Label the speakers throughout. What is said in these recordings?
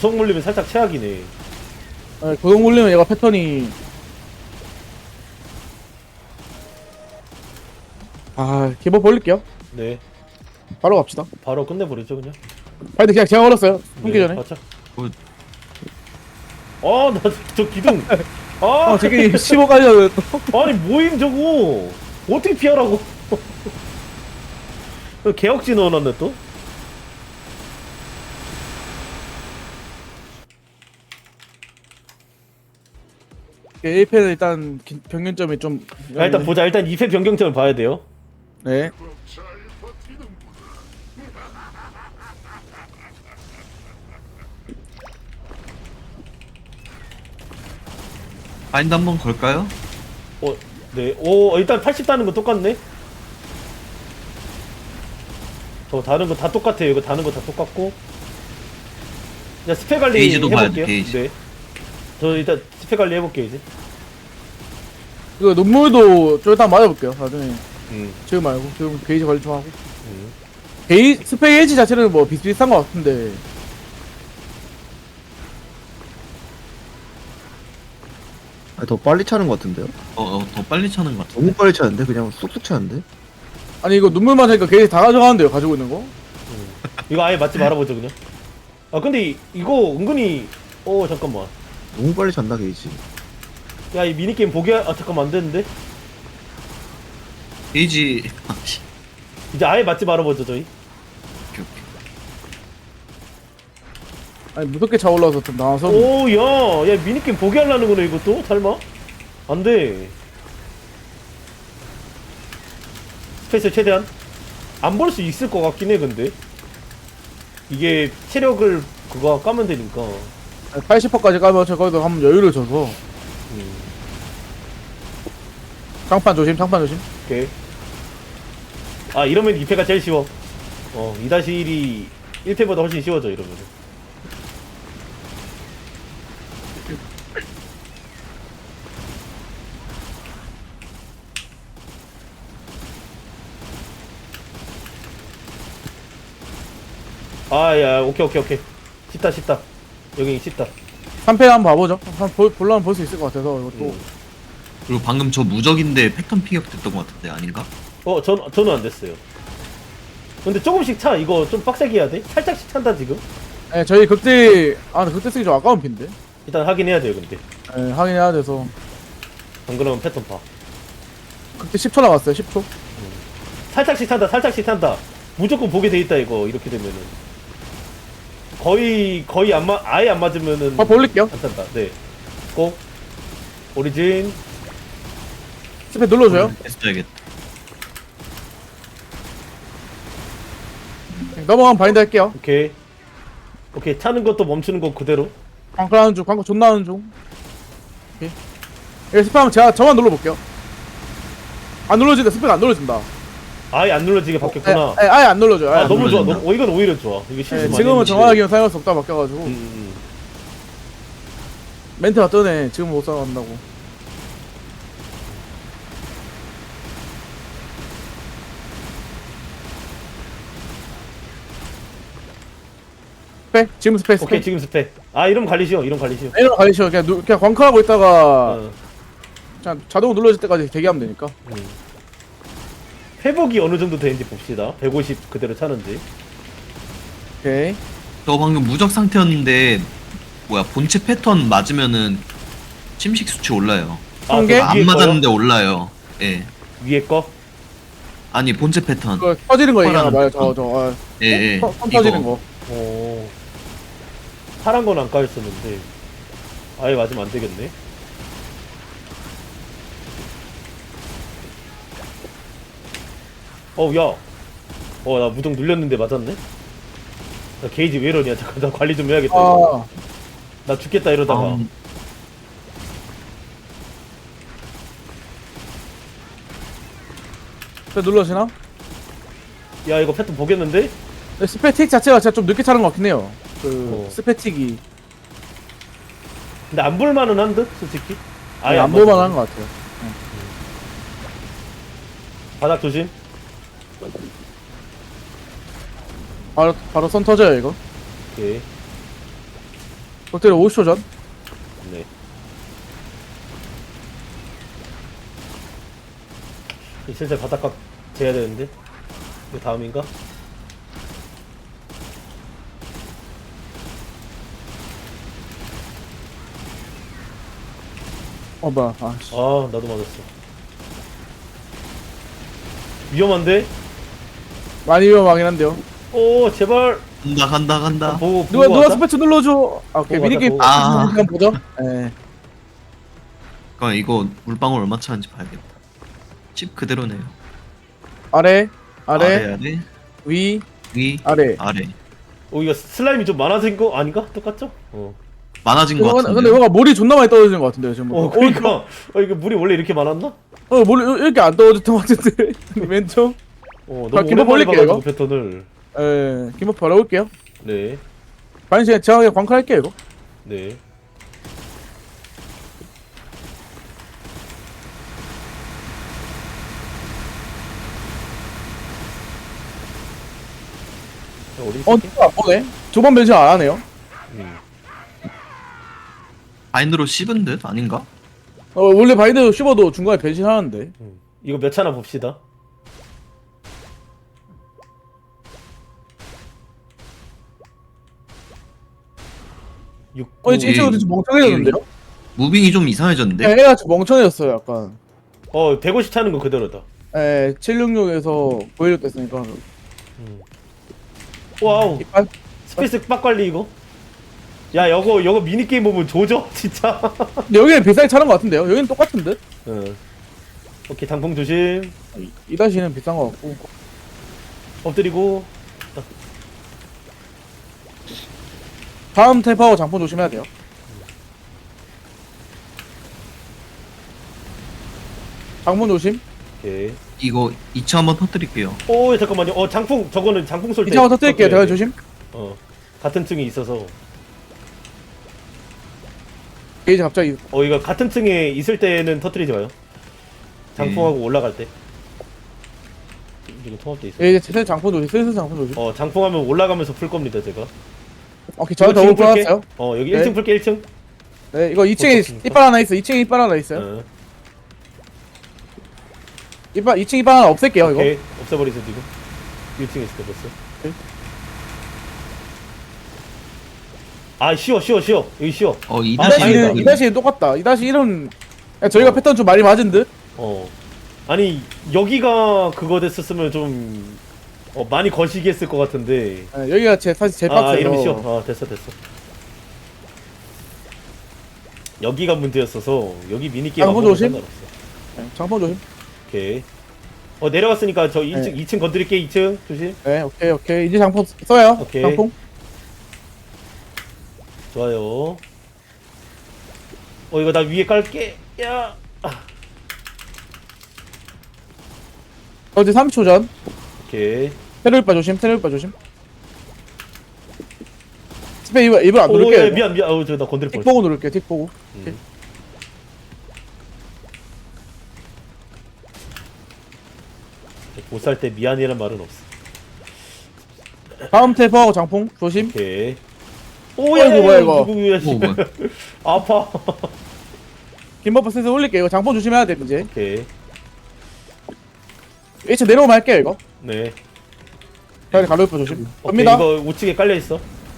Speaker 1: 구성 물리면 살짝 최악이네.
Speaker 2: 네, 고정 물리면 얘가 패턴이 기본 벌릴게요.
Speaker 1: 네.
Speaker 2: 바로 갑시다.
Speaker 1: 바로 끝내버리죠 그냥.
Speaker 2: 근데 그냥 제가 걸었어요. 숨기 전에.
Speaker 1: 맞죠?
Speaker 3: 굿.
Speaker 1: 나 저 기둥. 아,
Speaker 2: 되게 15까지 또.
Speaker 1: 아니 뭐임 저거. 어떻게 피하라고? 개혁지 넣어놨네 또.
Speaker 2: A패는 일단 평균점이 좀.
Speaker 1: 일단 보자. 일단 2패 변경점을 봐야 돼요.
Speaker 2: 네.
Speaker 3: 바인드 한번 걸까요?
Speaker 1: 네. 일단 80 다는 거 똑같네. 저 다른 거 다 똑같아요. 이거 다른 거 다 똑같고. 자, 스펙 관리
Speaker 3: 게이지도 봐야
Speaker 1: 해볼게요.
Speaker 3: 돼, 게이지.
Speaker 1: 네. 저 일단 스펙 관리 해볼게요 이제.
Speaker 2: 이거 눈물도 좀 일단 맞아볼게요. 나중에.
Speaker 1: 음.
Speaker 2: 지금 말고. 지금 게이지 관리 좀 하고. 스펙 에이지 자체는 뭐 비슷비슷한 것 같은데.
Speaker 4: 아니, 더 빨리 차는 것 같은데요?
Speaker 3: 더 빨리 차는 것 같아.
Speaker 4: 너무 빨리 차는데? 그냥 쏙쏙 차는데?
Speaker 2: 아니 이거 눈물만 하니까 게이지 다 가져가는데요. 가지고 있는 거.
Speaker 1: 이거 아예 맞지 말아보죠 그냥. 근데 이거 은근히 잠깐만.
Speaker 4: 너무 빨리 찬다 게이지.
Speaker 1: 야, 이 미니게임 잠깐만 안 되는데.
Speaker 3: 게이지.
Speaker 1: 이제 아예 맞지 말아보죠 저희.
Speaker 3: 오케이.
Speaker 2: 아니 무섭게 차 올라와서 좀 나와서.
Speaker 1: 야 미니게임 보게 하려는 거네 이것도? 설마? 안 돼. 스페셜 최대한 안 볼 수 있을 것 같긴 해. 근데 이게 체력을 그거 까면 되니까.
Speaker 2: 80%까지 가면 저 거기서 한번 여유를 줘서. 장판 조심, 장판 조심.
Speaker 1: 오케이. 이러면 2패가 제일 쉬워. 2-1이 1패보다 훨씬 쉬워져 이러면. 야, 오케이. 쉽다. 여기 쉽다.
Speaker 2: 3패 한번 봐보죠. 볼라면 볼 수 있을 것 같아서 이것도.
Speaker 3: 그리고 방금 저 무적인데 패턴 피격 됐던 것 같은데 아닌가?
Speaker 1: 저는 안 됐어요. 근데 조금씩 차. 이거 좀 빡세게 해야 돼? 살짝씩 찬다 지금.
Speaker 2: 네, 저희 극대 극대 쓰기 좀 아까운 핀데.
Speaker 1: 일단 확인해야 돼요 근데.
Speaker 2: 네, 확인해야 돼서.
Speaker 1: 안 그러면 패턴 봐.
Speaker 2: 극대 10초 나갔어요. 10초.
Speaker 1: 살짝씩 탄다. 무조건 보게 돼 있다 이거. 이렇게 되면은 거의 아예 안 맞으면은
Speaker 2: 올릴게요.
Speaker 1: 안 탄다. 네. 꼭 오리진.
Speaker 2: 스페 눌러줘요.
Speaker 3: 했어야겠다.
Speaker 2: 넘어가면 바인드 할게요.
Speaker 1: 오케이. 차는 것도 멈추는 거 그대로.
Speaker 2: 광클 하는 중, 광클 존나 하는 중. 오케이. 여기 스페 하면 저만 눌러볼게요. 안 눌러진다. 스페가 안 눌러진다.
Speaker 1: 아예 안 눌러지게 바뀌었구나.
Speaker 2: 아예 안 눌러줘요. 아예 안
Speaker 1: 너무 좋아.
Speaker 3: 눌러진다.
Speaker 1: 이건 오히려 좋아. 이게 실수 많이
Speaker 2: 지금은
Speaker 1: 했는데.
Speaker 2: 정확하게는 사용할 수 없다 바뀌어가지고.
Speaker 1: 음.
Speaker 2: 멘트가 뜨네. 지금 못 사용한다고. 스페? 지금 스페.
Speaker 1: 오케이 지금 스펙. 이러면 관리시오.
Speaker 2: 이런 거 가리셔. 그냥 광클하고 있다가 그냥 자동으로 눌러질 때까지 대기하면 되니까.
Speaker 1: 회복이 어느 정도 되는지 봅시다. 150 그대로 차는지.
Speaker 2: 오케이.
Speaker 3: 저 방금 무적 상태였는데 본체 패턴 맞으면은 침식 수치 올라요.
Speaker 2: 성게?
Speaker 1: 그
Speaker 3: 안
Speaker 1: 위에
Speaker 3: 맞았는데 올라요. 예.
Speaker 1: 위에 거?
Speaker 3: 아니 본체 패턴.
Speaker 2: 그거 터지는 거 얘기하나 봐요.
Speaker 3: 파란 예.
Speaker 2: 선 터지는 거.
Speaker 1: 파란 건 안 까였었는데 아예 맞으면 안 되겠네. 야. 나 무정 눌렸는데 맞았네? 나 게이지 왜 이러냐. 잠깐 나 관리 좀 해야겠다. 이거. 나 죽겠다 이러다가.
Speaker 2: 스페 눌러지나?
Speaker 1: 야 이거 패턴 보겠는데?
Speaker 2: 스페틱 자체가 진짜 좀 늦게 차는 것 같긴 해요. 스페틱이
Speaker 1: 근데 안 볼만은 한 듯? 솔직히? 아예
Speaker 2: 안
Speaker 1: 맞아.
Speaker 2: 볼만한 것 같아요.
Speaker 1: 바닥 조심.
Speaker 2: 바로 선 터져요 이거.
Speaker 1: 오케이.
Speaker 2: 롯데를 50초 전.
Speaker 1: 네. 슬슬 바닥각 재야 되는데. 이거 다음인가?
Speaker 2: 뭐야. 아, 씨.
Speaker 1: 아, 나도 맞았어. 위험한데?
Speaker 2: 많이 위험하긴 한데요.
Speaker 1: 오, 제발.
Speaker 3: 간다.
Speaker 1: 보고
Speaker 2: 누가
Speaker 1: 하자.
Speaker 2: 스패치 눌러줘. 아, 오케이.
Speaker 1: 보고
Speaker 2: 미니게임
Speaker 1: 하자,
Speaker 3: 보고. 아.
Speaker 2: 한번 보죠. 예.
Speaker 3: 그러니까 이거 물방울 얼마 차는지 봐야겠다. 칩 그대로네요.
Speaker 2: 아래,
Speaker 3: 아래
Speaker 2: 위,
Speaker 3: 위
Speaker 2: 아래.
Speaker 3: 아래.
Speaker 1: 이거 슬라임이 좀 많아진 거 아닌가? 똑같죠?
Speaker 3: 많아진 것 같은데.
Speaker 2: 근데 뭔가 물이 존나 많이 떨어지는 것 같은데요, 지금.
Speaker 1: 그러니까. 이거 물이 원래 이렇게 많았나?
Speaker 2: 물 이렇게 안 떨어졌던 것 같은데. 왼쪽.
Speaker 1: 너무
Speaker 2: 기본
Speaker 1: 오랜만에
Speaker 2: 올릴게요,
Speaker 1: 봐가지고
Speaker 2: 이거.
Speaker 1: 패턴을.
Speaker 2: 예, 김밥 바라볼게요.
Speaker 1: 네,
Speaker 2: 반시간 정확하게 광클할게요, 이거.
Speaker 1: 네. 어디 있을게?
Speaker 2: 안 보네. 조반 변신 안 하네요.
Speaker 3: 바인드로 씹은 듯 아닌가?
Speaker 2: 원래 바이드 씹어도 중간에 변신하는데.
Speaker 1: 이거 몇 차나 봅시다.
Speaker 2: 진짜
Speaker 3: 예.
Speaker 2: 좀 멍청해졌는데요?
Speaker 3: 무빙이 좀 이상해졌는데.
Speaker 2: 애가 좀 멍청해졌어요, 약간.
Speaker 1: 150 차는 거 그대로다.
Speaker 2: 766에서 916 됐으니까.
Speaker 1: 와우,
Speaker 2: 이빨?
Speaker 1: 스페이스 빡 관리 이거. 야, 여거 미니게임 보면 조져, 진짜.
Speaker 2: 근데 여기는 비싸게 차는 것 같은데요? 여기는 똑같은 듯?
Speaker 1: 응. 오케이, 장풍 조심.
Speaker 2: 2-는 비싼 것 같고.
Speaker 1: 엎드리고.
Speaker 2: 다음 탭하고 장폰 조심해야 돼요. 장폰 조심.
Speaker 1: 오케이.
Speaker 3: 이거 2차 한번 터뜨릴게요.
Speaker 1: 오, 잠깐만요. 장풍, 저거는 장풍 쏠 때.
Speaker 2: 2차만 터뜨릴게요. 대화 조심.
Speaker 1: 같은 층에 있어서.
Speaker 2: 게이지 갑자기.
Speaker 1: 이거 같은 층에 있을 때는 터뜨리지 마요. 장풍하고 올라갈 때. 이거 통합돼 있어.
Speaker 2: 이제 슬슬 장폰 조심. 슬슬 장폰 조심.
Speaker 1: 장풍하면 올라가면서 풀 겁니다, 제가.
Speaker 2: 오케이, 저는 더블 풀었어요.
Speaker 1: 여기
Speaker 2: 네.
Speaker 1: 1층 풀게, 1층.
Speaker 2: 네, 이거 2층에
Speaker 1: 어떻습니까?
Speaker 2: 이빨 하나 있어. 2층에 이빨 하나 있어요. 2층 이빨 하나 없앨게요, 이거.
Speaker 1: 오케이. 없애버리세요, 지금. 1층에 있을 때 벌써.
Speaker 2: 네.
Speaker 1: 아, 쉬워. 여기 쉬워.
Speaker 3: 2-1.
Speaker 1: 다행이다.
Speaker 2: 2-1은 똑같다. 2-1은 저희가 패턴 좀 많이 맞은 듯?
Speaker 1: 아니, 여기가 그거 됐었으면 좀, 많이 거시기 했을 것 같은데.
Speaker 2: 네, 여기가 사실 제일 빡세요.
Speaker 1: 이러면 쉬워. 됐어. 여기가 문제였어서, 여기 미니게임
Speaker 2: 장풍
Speaker 1: 아무것도
Speaker 2: 조심.
Speaker 1: 상관없어.
Speaker 2: 네, 장폰 조심.
Speaker 1: 오케이. 내려갔으니까 저 2층,
Speaker 2: 네.
Speaker 1: 2층 건드릴게, 2층. 조심.
Speaker 2: 네, 오케이. 이제 장폰 써요.
Speaker 1: 오케이.
Speaker 2: 장폰.
Speaker 1: 좋아요. 이거 나 위에 깔게. 야.
Speaker 2: 이제 30초 전.
Speaker 1: 오케이.
Speaker 2: 테러일바 조심. 스페 입을 안
Speaker 1: 야,
Speaker 2: 누를게요.
Speaker 1: 미안. 나 건드릴
Speaker 2: 틱
Speaker 1: 뻔했어.
Speaker 2: 보고 누를게요. 틱 보고.
Speaker 1: 못 살 때 미안이란 말은 없어.
Speaker 2: 다음 탭하고 장풍 조심.
Speaker 1: 오케이.
Speaker 2: 어이구, 뭐야, 이거.
Speaker 1: 누구야, 씨.
Speaker 3: 뭐야.
Speaker 1: 아파.
Speaker 2: 김버프 슬슬 올릴게요. 이거 장폰 조심해야 돼, 이제.
Speaker 1: 오케이.
Speaker 2: 1층 내려오면 할게요, 이거.
Speaker 1: 네.
Speaker 2: 빨리 가로일바 조심.
Speaker 1: 오케이,
Speaker 2: 갑니다.
Speaker 1: 이거 우측에 깔려 있어.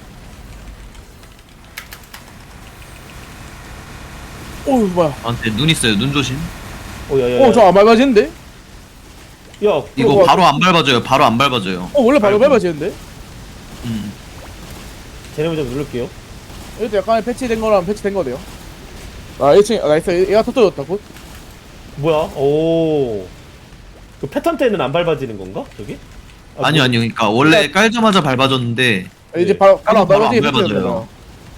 Speaker 2: 오우, 뭐야.
Speaker 3: 저한테 눈 있어요. 눈 조심.
Speaker 1: 야야야.
Speaker 2: 저 안 밟아지는데?
Speaker 1: 야,
Speaker 3: 이거
Speaker 2: 뭐야.
Speaker 3: 바로 안 밟아져요.
Speaker 2: 원래 바로 밟아지는데?
Speaker 1: 쟤네 먼저 누를게요.
Speaker 2: 이것도 약간의 패치된 거랑 패치된 거네요. 1층, 나이스. 얘가 터뜨렸다, 곧.
Speaker 1: 뭐야? 오. 그 패턴 때는 안 밟아지는 건가? 저기?
Speaker 3: 아니요. 그러니까 원래 깔자마자 밟아졌는데
Speaker 2: 이제
Speaker 1: 네.
Speaker 2: 바로 안
Speaker 3: 바로
Speaker 2: 밟아지게
Speaker 3: 안 밟아져요.
Speaker 2: 패치되잖아.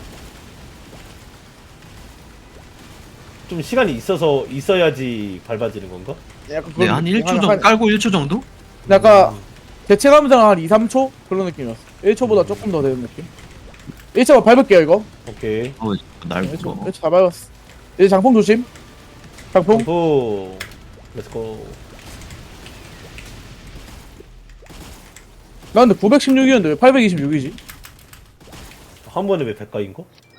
Speaker 1: 좀 시간이 있어야지 밟아지는 건가?
Speaker 2: 약간
Speaker 3: 네, 한 1초 정도 깔고 1초 정도?
Speaker 2: 약간 대체감상 한 2-3초? 그런 느낌이었어. 1초보다 조금 더 되는 느낌. 1초 밟을게요, 이거.
Speaker 1: 오케이.
Speaker 3: 날
Speaker 2: 1초, 1초 다 밟았어. 이제 장풍 조심. 장풍.
Speaker 1: 오. 렛츠고.
Speaker 2: 나 근데 916이었는데 왜 826이지?
Speaker 1: 한 번에 왜 100가인 거?